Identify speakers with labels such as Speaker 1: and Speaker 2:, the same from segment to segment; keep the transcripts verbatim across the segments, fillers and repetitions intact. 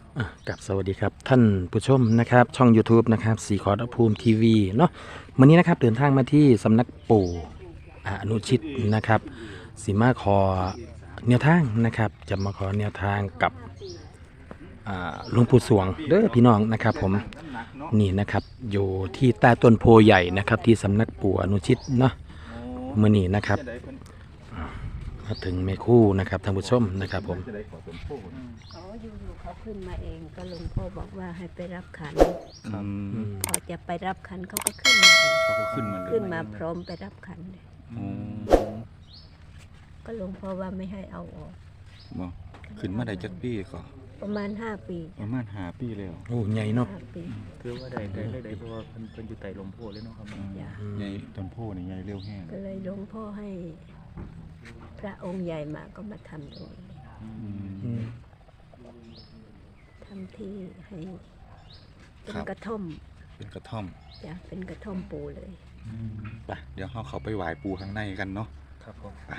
Speaker 1: อ่ะกับสวัสดีครับท่านผู้ชมนะครับช่อง YouTube นะครับสีขอรภูมิทีวีเนาะวันนี้นะครับเดินทางมาที่สำนักปู่อนุชิตนะครับสีมาขอแนวทางนะครับจะมาขอแนวทางกับอ่าหลวงปู่สวงเด้อพี่น้องนะครับผมนี่นะครับอยู่ที่ใต้ต้นโพใหญ่นะครับที่สำนักปู่อนุชิตเนาะเมื่อนี้นะครับมาถึงเมคู่นะครับท่านผู้ชมนะครับผม
Speaker 2: อ๋ออยู่ๆเขาขึ้นมาเองก็หลวงพ่อบอกว่าให้ไปรับขัน
Speaker 3: ครับ
Speaker 2: พอจะไปรับขันเขาก็ขึ้นมาเอง
Speaker 3: เขาก็ขึ้นมาเลย
Speaker 2: ขึ้นมาพร้อมไปรับขันเลย
Speaker 3: อ๋อ
Speaker 2: ก็หลวงพ่อว่าไม่ให้เอาออก
Speaker 3: บ่ขึ้นมาได้จักปีก็
Speaker 2: ประมาณห้าปี
Speaker 3: ประมาณห้าปีแล้ว
Speaker 1: โอ้ใหญ่เนาะ
Speaker 2: ห้าปี
Speaker 4: คือว่าได้ได้ได้ได้เพราะว่าเพิ่นเพิ่นอยู่ใต้ลมโพธิ์เลยเนาะครับ
Speaker 3: อืม
Speaker 2: จ้ะ
Speaker 3: ใหญ่ต้นโพนี่ใหญ่เร็วแห้ง
Speaker 2: ก็เลยหลวงพ่อให้ พระองค์ใหญ่มาก็มาทำตรงนี้
Speaker 3: อื
Speaker 1: อื
Speaker 3: ม
Speaker 1: ม
Speaker 2: ทำที่ให้เป็
Speaker 3: ครั
Speaker 2: น
Speaker 3: บ
Speaker 2: กระท่อม
Speaker 3: เป็นกระท่อม
Speaker 2: จ้ะเป็นกระท่อมปูเลย
Speaker 3: ไปเดี๋ยวเราเข้าไปไหว้ปูข้างในกันเนาะ
Speaker 4: ครับผม
Speaker 3: ไป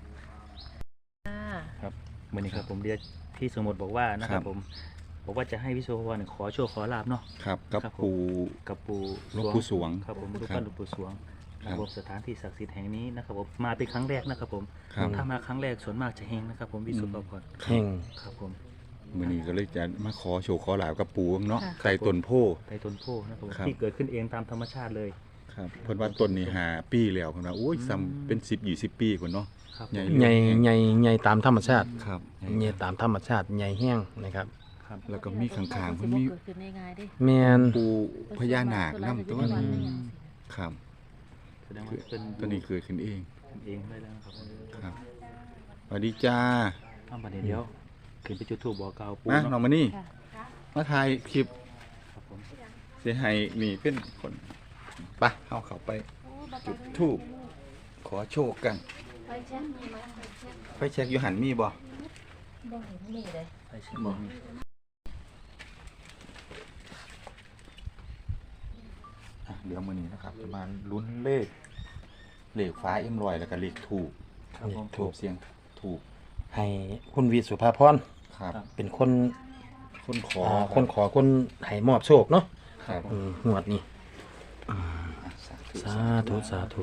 Speaker 4: ครับวันนี้ครับผมเรียกพี่สมมติบอกว่านะครับผมบอกว่าจะให้พี่โซวรขอโชคขอลาบเนาะ
Speaker 3: ครับกับ
Speaker 4: ครับผม
Speaker 3: ปู
Speaker 4: กับปู่
Speaker 3: หลวงปู่สวง
Speaker 4: ครับผมรูป
Speaker 3: ครั
Speaker 4: ปั้
Speaker 3: บ
Speaker 4: นหลวงปู่สวง
Speaker 3: ครับ
Speaker 4: ระบบสถานที่ศักดิ์สิทธิ์แห่งนี้นะครับผมมาเป็นครั้งแรกนะครับผม
Speaker 3: ครับ
Speaker 4: ถ้ามาครั้งแรกส่วนมากจะเฮงนะครับผมพี่สุภพร
Speaker 1: แห้ง
Speaker 4: ครับผม
Speaker 3: มื้อนี้ก็เลยจะมาขอโชว์ขอลาบกับปูเนาะ
Speaker 2: ค่ะ
Speaker 3: ใต้ต้นโพ
Speaker 4: ไต้ต้นโพธิ์นะครับผม
Speaker 3: ครับ
Speaker 4: ที่เกิดขึ้นเองตามธรรมชาติเลย
Speaker 3: ครับเพิ่นว่าต้นนี้ห้าปีแล้วเพิ่นว่าโอ้ย
Speaker 4: อืม
Speaker 3: ซ้ำเป็นสิบ ยี่สิบปีพุ่นเนาะ
Speaker 4: ครับ
Speaker 3: ใหญ่
Speaker 1: ใหญ่ใหญ่ใหญ่ตามธรรมชาติ
Speaker 3: ครับ
Speaker 1: ใหญ่ตามธรรมชาติใหญ่แห้งนะครับ
Speaker 4: ครับ
Speaker 3: แล้วก็มีข้างๆเพิ่นมี
Speaker 5: เกิดขึ้นได้ง่ายเดิ
Speaker 1: แมน
Speaker 3: ปูพญานาคนํตัว
Speaker 1: อื
Speaker 3: นี้
Speaker 1: ม
Speaker 3: ครับ
Speaker 4: แสดงว่าเป็น
Speaker 3: ตัวนี้เกิดขึ้นเอง
Speaker 4: เป็นเองได้แล้วนะครับ
Speaker 3: ครับสวัสดีจ้า
Speaker 4: ทำประเดี๋ยวเดียวขึ้นไปจุดธูปบอกกล่าวปู่
Speaker 3: มาน้อ
Speaker 4: เนาะ
Speaker 3: งมานี่
Speaker 2: ค่ะ
Speaker 3: มาถ่ายคลิป
Speaker 4: ครับผม
Speaker 3: เสียหายนี่เป็นคนไปะเอาเขาไปจุดทูบขอโชคกัน
Speaker 5: ไปเช็คมีไหมไปเช็ค
Speaker 3: ไปเช็คอยู่หันมีบ่
Speaker 5: บ่เห็นมีเลย
Speaker 4: ไปเชิญบอก
Speaker 3: อ่ะเดี๋ยวมือนี้นะครับจะมาลุ้นเลขเลขฟ้าเอ็มรอยแล้วก็เลขถูก
Speaker 4: ครับผม
Speaker 3: ถูกเสียงถูก
Speaker 1: ให้คุณวีสุภาพร
Speaker 3: ครับ
Speaker 1: เป็นคน
Speaker 3: คนขอ
Speaker 1: อ่าคนขอคนให้มอบโชคเนาะ
Speaker 3: ครับ
Speaker 1: อืมหวดนี่
Speaker 3: อ่ะสาธุ
Speaker 1: สาธุสาธุ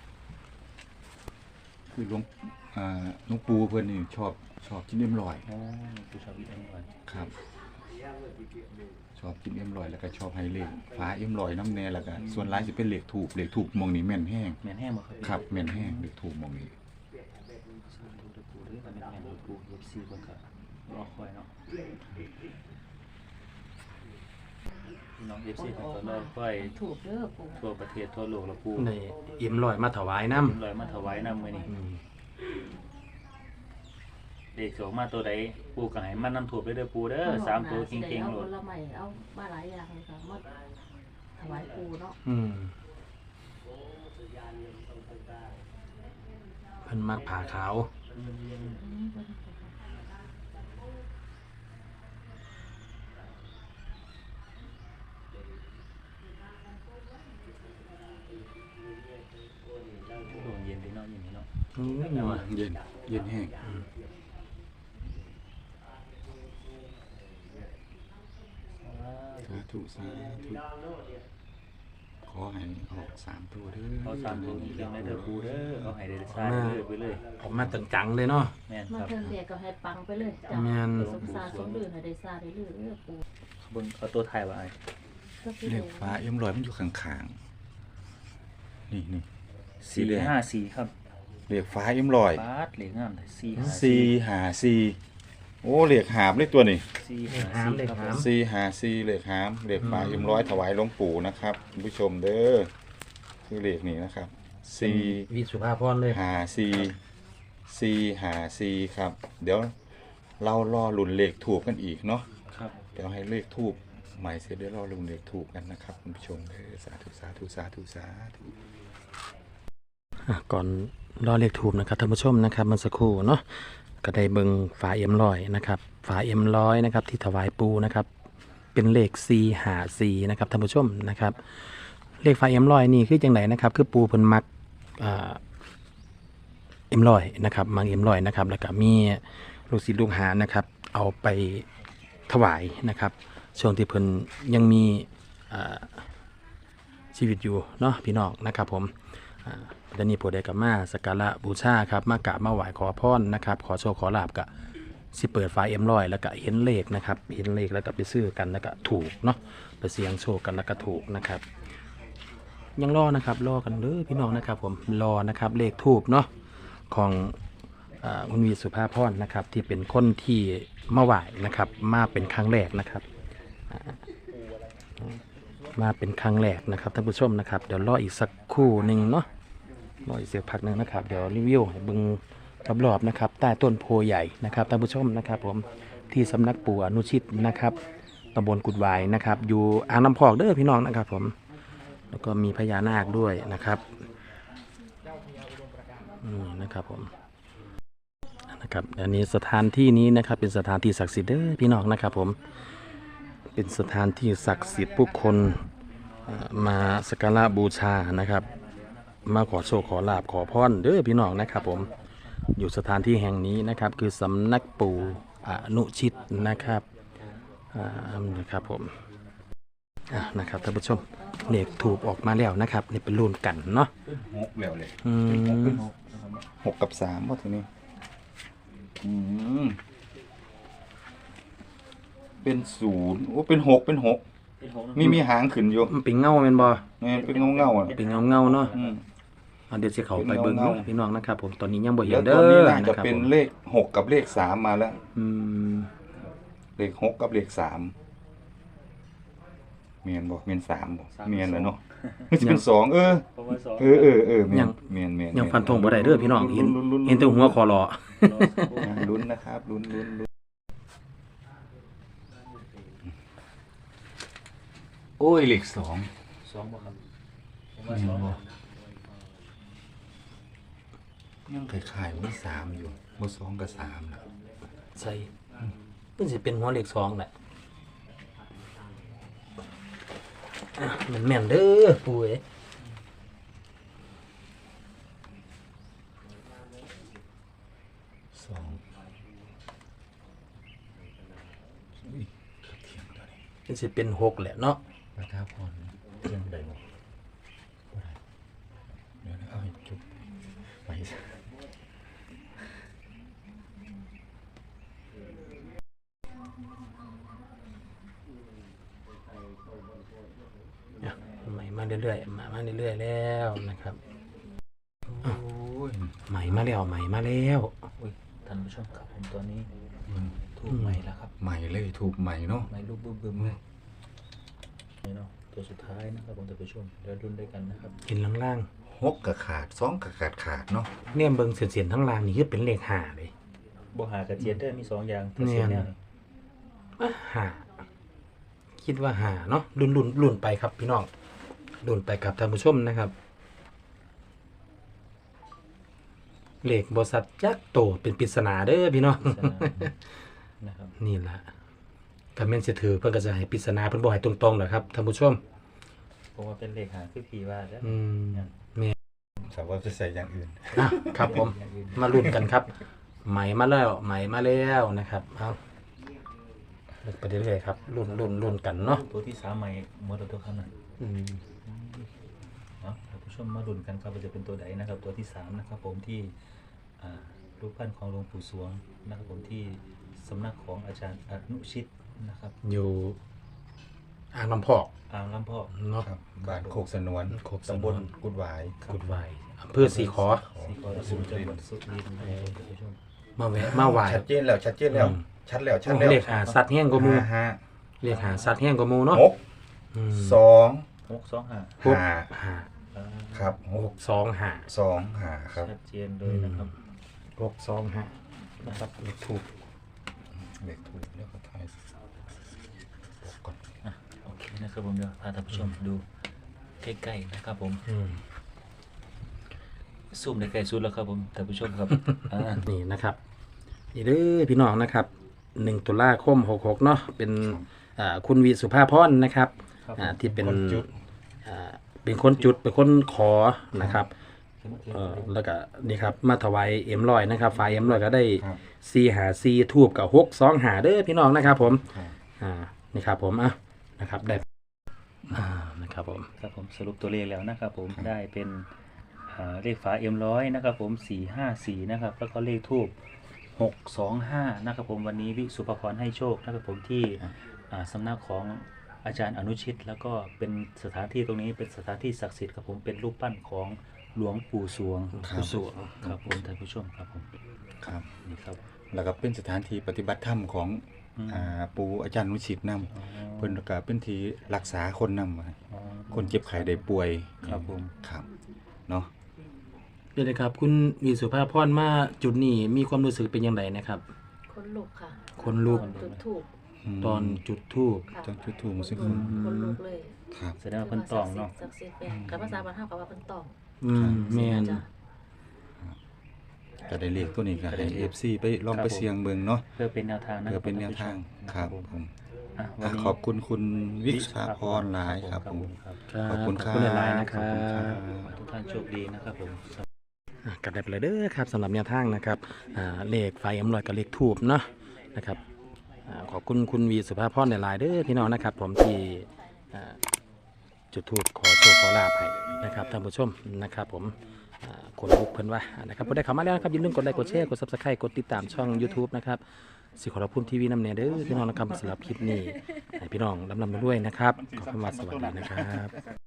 Speaker 3: คือหลวงอ่าหลวงปู่เพื่อนนี่ชอบชอบกินเอ็มรอย
Speaker 4: อ๋อผู้ชาวอีกอันก่อน
Speaker 3: ครับ ชอบกินเอ็มรอยแล้วก็ชอบให้เลขฟ้าเอ็มรอยน้ำแน่แล้วก็ส่วนร้ายจะเป็นเลขถูกเลขถูกมองนี่แม่นแห้ง
Speaker 4: แม่นแห้งบ่ครับ
Speaker 3: ครับแม่นแห้งเลขถูกมองนี่
Speaker 4: สาธุเด้อปู่เด้อแม่นแห้งเด้อปู่เอฟซีเพิ่นก็รอคอยเนาะพี่น้อง เอฟ ซี เพิ่นก็รอคอย
Speaker 5: ถูกเด้อปู่
Speaker 4: ทั่วประเทศทั่วโลกแล้วปู่
Speaker 1: ในอิ่มลอยมาถวายน้
Speaker 4: ลอยมาถวายนำมื้อนี้
Speaker 1: ำอืม
Speaker 4: เลขสองมาตัวใดปู่ก็ให้มันนำถูกเด้อเด้อปู่เด้อสามตัวเก่งๆโล
Speaker 5: เอา
Speaker 4: ด
Speaker 5: ผลไม้เอามาหลายอย่างเลยค่ะมาถวายปู่เนาะ
Speaker 1: อืมเพิ่นมักผ่าขาว
Speaker 4: ช่วงเย็นดีเนาะอย่างนี้เนาะ
Speaker 1: อืมนัว
Speaker 3: เย็นเย็นแห้งสาธุสาธุขอให้ออกสามตัวเด้อ
Speaker 4: เอาสามตัวเก่งๆได้เด้อปู่เด้อเอาให้ได้ซ่าเด้อไปเลย
Speaker 1: ออกมาจังๆเลยเนาะ
Speaker 4: แม่น
Speaker 5: มา
Speaker 4: ครับ
Speaker 5: เทิงเดียก็ให้ปังไปเลยจ้ะ
Speaker 1: แม่น
Speaker 5: สมซาสมดื่นให้ได้ซาได้ลื่นเด้อปู่
Speaker 4: เบิ่งเอาตัวถ่ายไว้
Speaker 5: ก็คือ
Speaker 3: เลขฟ้าเอ็มรอยมันอยู่ข้างๆนี่นี่สี
Speaker 4: สี่
Speaker 3: แดง
Speaker 4: ห้าสี่ครับ
Speaker 3: เลขฟ้าเอ็มรอย
Speaker 4: บาทเหลืองามเลยสี่ห้า
Speaker 3: สี่หาสี่โอ้เลขหาบเลขตัวนี้
Speaker 4: สี่
Speaker 1: เล
Speaker 4: ห้า
Speaker 1: ขหาม
Speaker 4: สี่
Speaker 1: เลข
Speaker 4: ครับ
Speaker 1: หาม
Speaker 3: สี่หาสี่เลขหามเลขฟ้าเอ็มรอยถวายหลวงปู่นะครับคุณผู้ชมเด้อคือเลขนี้นะครับสี่
Speaker 1: วีสุภาพรเลย
Speaker 3: หาสี่สี่หาสี่ครับ เดี๋ยวเรารอลุ้นเลขถูกกันอีกเนาะ
Speaker 4: ครับ
Speaker 3: เดี๋ยวให้เลขทูบใหม่เสร็จเดี๋ยวรอลุ้นเลขถูกกันนะครับคุณผู้ชมเด้อสาธุสาธุสาธุสาธุ
Speaker 1: อ่ะก่อนรอเรียกถูกนะครับท่านผู้ชมนะครับเมื่อสักครู่เนาะก็ได้เบิงฝาเอ็มร้อยนะครับฝาเอ็มร้อยนะครับที่ถวายปูนะครับเป็นเลขสี่หาสี่นะครับท่านผู้ชมนะครับเลขฝาเอ็มร้อยนี่คือจังไหนนะครับคือปูเพิ่นมักอ่าเอ็มร้อยนะครับมักเอ็มร้อยนะครับแล้วก็มีลูกศิษย์ลูกหานะครับเอาไปถวายนะครับช่วงที่เพิ่นยังมีอ่าชีวิตอยู่เนาะพี่น้องนะครับผมอ่าเดี๋ยวนี้ผู้ใดก็มาสักการะบูชาครับมากราบมาไหว้ขอพรนะครับขอโชคขอลาบก็สิเปิดไฟเอ็มร้อยแล้วก็เห็นเลขนะครับเห็นเลขแล้วก็ไปซื้อกันแล้วก็ถูกเนาะไปเสี่ยงโชคกันแล้วก็ถูกนะครับยังรอนะครับรอกันเด้อพี่น้องนะครับผมรอนะครับเลขทูบเนาะของอ่าคุณวีสุภาพรนะครับที่เป็นคนที่มาไหว้นะครับมาเป็นครั้งแรกนะครับอ่ามาเป็นครั้งแรกนะครับท่านผู้ชมนะครับเดี๋ยวรออีกสักครู่หนึ่งเนาะรออีกสักพักหนึ่งนะครับเดี๋ยวรีวิวให้เบิ่งรอบๆนะครับใต้ต้นโพใหญ่นะครับท่านผู้ชมนะครับผมที่สำนักปู่อนุชิตนะครับตำบลกุดวายนะครับอยู่อ่างน้ำพอกเด้อพี่น้องนะครับผมแล้วก็มีพญานาคด้วยนะครับนี่นะครับผมนะครับอันนี้สถานที่นี้นะครับเป็นสถานที่ศักดิ์สิทธิ์เด้อพี่น้องนะครับผมเป็นสถานที่ศักดิ์สิทธิ์ผู้คนเอ่อมาสักการะบูชานะครับมาขอโชคขอลาบขอพรเด้อพี่น้องนะครับผมอยู่สถานที่แห่งนี้นะครับคือสำนักปู่อนุชิตนะครับอ่านะครับผมอ่ะนะครับท่านผู้ชมเลขถูกออกมาแล้วนะครับนี่เป็นรุ่นกันเนาะ
Speaker 3: หกแล้วเลย
Speaker 1: อืม
Speaker 3: หกกับสามว่าทีนี้อืมเป็นศูนย์โอ้เป็นหกเป็นหกมีมีหางขึ้นอยู่
Speaker 1: มันเป็นเงาเป็นบ่
Speaker 3: เนี่ยเป็นเงาเงาๆอ่ะ
Speaker 1: เป็นเงาเงาๆเนาะ
Speaker 3: อืม
Speaker 1: อ่ะเดี๋ยวจะเขาไปเบิ้ง
Speaker 3: เป็นเงา
Speaker 1: เนาะพี่น้องนะครับผมตอนนี้ยังบ่เห็
Speaker 3: แล้
Speaker 1: น
Speaker 3: ว
Speaker 1: เด้
Speaker 3: ตัวนี้
Speaker 1: อ
Speaker 3: น่า
Speaker 1: นะ
Speaker 3: จะ
Speaker 1: ครับ
Speaker 3: เป็น
Speaker 1: ผม
Speaker 3: เลขหกกับเลขสามมาแล้ว
Speaker 1: อืม
Speaker 3: เลขหกกับเลขสามเมียนบอกเมียนสามบอกเมียนแล้วเนาะมันจะเป็นสองเออ
Speaker 4: เพราะว่าสอง
Speaker 3: เออเออเออเมียนเมียนเมียน
Speaker 1: ยังฟันธงบ่ได้เด้อพี่น้องเห็นเห็นแต่หัวคอรอ
Speaker 3: อ่าลุ้นนะครับลุ้นลุ้นลุ้นโอ้ยเลขสอง
Speaker 4: สองบ่ครับผม
Speaker 3: เมี
Speaker 4: ว่าย ส
Speaker 3: น
Speaker 4: อง
Speaker 3: บอกยังคล้ายๆว่าสามอยู่ว่าสองกับสามนะ
Speaker 1: ใส่มันสิเป็นหัวเลขสองแหละอ่ะมันแม่นเด้อปู่เอ้ย
Speaker 3: สองอุ้ยเทียงตัวนี้
Speaker 1: มันสิเป็นหกแหละเนาะ
Speaker 3: พระท้าพรเทียงใดบ่บ่ได้เดี๋ยวนะเอาให้จุบไปซะ
Speaker 1: อ่ะใหม่มาเรื่อยๆมามาเรื่อยๆแล้วนะครับ
Speaker 3: โอ้ย
Speaker 1: ใหม่มาแล้วใหม่มาแล้ว
Speaker 4: อุ้ยท่านผู้ชมครับผมตัวนี้
Speaker 3: มัน
Speaker 4: ถูกใหม่แล้วครับ
Speaker 3: ใหม่เลยถูกใหม่เนาะ
Speaker 4: ใหม่ลูกบึ้มบึ้มๆเลยนี่เนาะตัวสุดท้ายนะครับผมท่านผู้ชมเดี๋ยวรุ่นด้วยกันนะครับ
Speaker 1: เห็นล่าง
Speaker 3: หกกับขาดสองกับขาดขาดเนาะ
Speaker 1: ๆเนี่ยเบิ่งเสียนๆทั้งล่างนี่คือเป็นเลขห้าเลย
Speaker 4: บ่หากระเจี๊ยดได้อมีสองอย่าง
Speaker 1: เนี่ย
Speaker 4: เสียแนวนี่
Speaker 1: อ่ะห้าคิดว่าห้าเนาะรุ่นรุ่นรุ่นไปครับพี่น้องรุ่นไปครับท่านผู้ชมนะครับเลขบริษัทยักษ์โตเป็นปริศนาเด้อพี่น้อง
Speaker 4: สนามนะครับ
Speaker 1: นี่ล่ะคำเมนสิถือเพิ่นก็จะให้ปริศนาเพิ่นบ่ให้ตรงๆหรอกครับท่านผู้ชม
Speaker 4: เพราะว่าเป็นเลขหาคือผีว่าแล้ว
Speaker 1: อืมแม่
Speaker 3: สาวว่าจะใส่อย่างอื่น
Speaker 1: อ่ะครับผม มาลุ้นกันครับไหมมาแล้วไหมมาแล้วนะครับเอาเลือกไปเรื่อยๆครับลุ้นลุ้นลุ้นกันเนาะ
Speaker 4: ตัวที่สามใหม่หมดแล้วตัวข้างนั้น
Speaker 1: อืม
Speaker 4: เนาะท่านผู้ชมมาลุ้นกันครับว่าจะเป็นตัวใดนะครับ ตัวที่สามนะครับ ผมที่อ่ารูปปั้นของหลวงปู่สวงนะครับผมที่สำนักของอาจารย์อนุชิตนะครับ
Speaker 1: อยู่อ่างลำพอก
Speaker 4: อ่างลำพอก
Speaker 1: เนาะ
Speaker 3: ครับบ้านโคกสนวน
Speaker 1: โคกสนวน
Speaker 3: ตำบลกุดหวาย
Speaker 1: กุดไวอำเภอสีขอ
Speaker 4: สีขอสุจังหวัดสุรินทร์นะครับท่านผู้ชม
Speaker 1: มาแวะมาไหว
Speaker 3: ชัดเจนแล้วชัดเจนแล้ว
Speaker 1: อืม
Speaker 3: ชัดแล้วชัดแล้ว
Speaker 1: เลขหาสัตว์แห้งกว่าหมู
Speaker 3: ห้าห้า
Speaker 1: เลขหาสัตว์แห้งกว่าหมูเนาะ
Speaker 3: หก
Speaker 1: อืม
Speaker 3: สอง
Speaker 4: หกสองห้า
Speaker 1: หก
Speaker 3: ห้า
Speaker 1: ห้า
Speaker 4: อ่า
Speaker 3: ครับห
Speaker 1: ห
Speaker 3: ก
Speaker 1: กสองห้า
Speaker 3: สองห้าครับ
Speaker 4: ชัดเจนเลยนะครับ
Speaker 1: หกสองห้านะครับเลขถูก
Speaker 3: เลขถูกแล้วก็ทายบอกก่อน
Speaker 4: อ่ะโอเคนะครับผมเดี๋ยวพาท่านผู้ชมดูใกล้ๆนะครับผม
Speaker 1: อืม
Speaker 4: ซูมได้ใกล้สุดแล้วครับผมท่านผู้ชมครับ อ่า
Speaker 1: นี่นะครับนี่เด้อพี่น้องนะครับหนึ่งตุลาคมหกหกเนาะเป็นอ่าคุณวีสุภาพรนะครับอ่าที่เป็น
Speaker 3: คนจุด
Speaker 1: อ่าเป็นคนจุดเป็นคนขอนะครับเอ่อแล้วก็นี่ครับมาถวายเอ็มลอยนะครับฝ่ายเอ็มลอยก็ได้
Speaker 3: ครับ
Speaker 1: ซีหาซีทูบกับหกสองหาเด้อพี่น้องนะครับผม
Speaker 3: ครับ
Speaker 1: อ่านี่ครับผมอ่ะนะครับได้อ่านะครับผม
Speaker 4: ครับผมสรุปตัวเลขแล้วนะครับผมได้เป็นอ่าเลขฝาเอ็มร้อยนะครับผมสี่ห้าสี่นะครับแล้วก็เลขทูบหกสองห้านะครับผมวันนี้วิสุภพรให้โชคนะครับผมที่อ่าสำนักของอาจารย์อนุชิต แล้วก็เป็นสถานที่ตรงนี้เป็นสถานที่ศักดิ์สิทธิ์ครับผมเป็นรูปปั้นของหลวงปู่สวง
Speaker 3: ครับ
Speaker 4: ปู่สวงครับผมท่านผู้ชมครับผม
Speaker 3: ครับ
Speaker 4: นี่ครับ
Speaker 3: แล้วก็เป็นสถานที่ปฏิบัติธรรมของ
Speaker 4: อืม
Speaker 3: อ่าปู่อาจารย์นุชิตนำ
Speaker 4: อ๋อ
Speaker 3: เพิ่นก็เป็นที่รักษาคนนำ
Speaker 4: อ๋อ
Speaker 3: คนเจ็บไข้ได้ป่วย
Speaker 4: ครับผม
Speaker 3: ครับเนาะ
Speaker 1: เดี๋ยวนะครับคุณวีสุภาพรมาจุดนี้มีความรู้สึกเป็นยังไงนะครับ
Speaker 5: คนลุกค่ะ
Speaker 1: คนลุก
Speaker 5: ตอจุดถูก
Speaker 3: ม
Speaker 1: ตอนจุดทูบ
Speaker 5: ค่ะ
Speaker 3: ตอนจุดธูปซึ่ง
Speaker 5: คนลุกเลย
Speaker 3: ครับ
Speaker 4: แสดงว่าเพิ่นตองเนาะ
Speaker 5: ศักดิ์สิทธิ์เนี่ยกับภาษาบ้านเฮากับว่าเพิ่นตอง
Speaker 1: อืมแมน
Speaker 5: จ้ะ
Speaker 3: ก็ได้เลขตัวนี้ก็
Speaker 4: ก็ได้
Speaker 3: ให้
Speaker 4: เลข
Speaker 3: เอฟ ซี ไปลอง
Speaker 4: ครับ
Speaker 3: ไป
Speaker 4: ผม
Speaker 3: เสี่ยงเบิ่งเนาะ
Speaker 4: เพื่อเป็นแนวทางนะ
Speaker 3: เพื่อเป็นแนว
Speaker 4: ท่
Speaker 3: ทาง
Speaker 4: ผู้ชม
Speaker 3: ครับ
Speaker 4: ผม
Speaker 3: ผม
Speaker 4: อ่ะวั
Speaker 3: อ่ะ
Speaker 4: นนี้
Speaker 3: ขอบคุณคุณวิชาพรหลายครับผม
Speaker 4: ครับ
Speaker 1: ครับ
Speaker 3: ขอบคุณครับ
Speaker 1: ขอบคุณหลายๆนะครั
Speaker 3: ขอบคุณครับ บ
Speaker 4: ทุกท่านโชคดีนะครับผม
Speaker 1: อ่ะกลับได้ไปเลยเด้อครับสำหรับแนวทางนะครับอ่าเลขไฟเอ็มลอยกับเลขทูบเนาะนะครับอ่าขอบคุณคุณวีสุภาพรหลายๆเด้อพี่น้องนะครับ ผมที่อ่าจุดทูบขอโชคขอลาภให้นะครับท่านผู้ชมนะครับผมอ่าคนลุกเพิ่นว่านะครับผู้ใดเข้ามาแล้วนะครับอย่าลืมกดไลค์กดแชร์กด Subscribe กดติดตามช่อง YouTube นะครับสิขอรับพุ่มทีวีน้ำเนเด้อพี่น้องนะครับสำหรับคลิปนี้ให้พี่น้องลำลำด้วยนะครับขอบคุณว่าสวัสดีนะครับ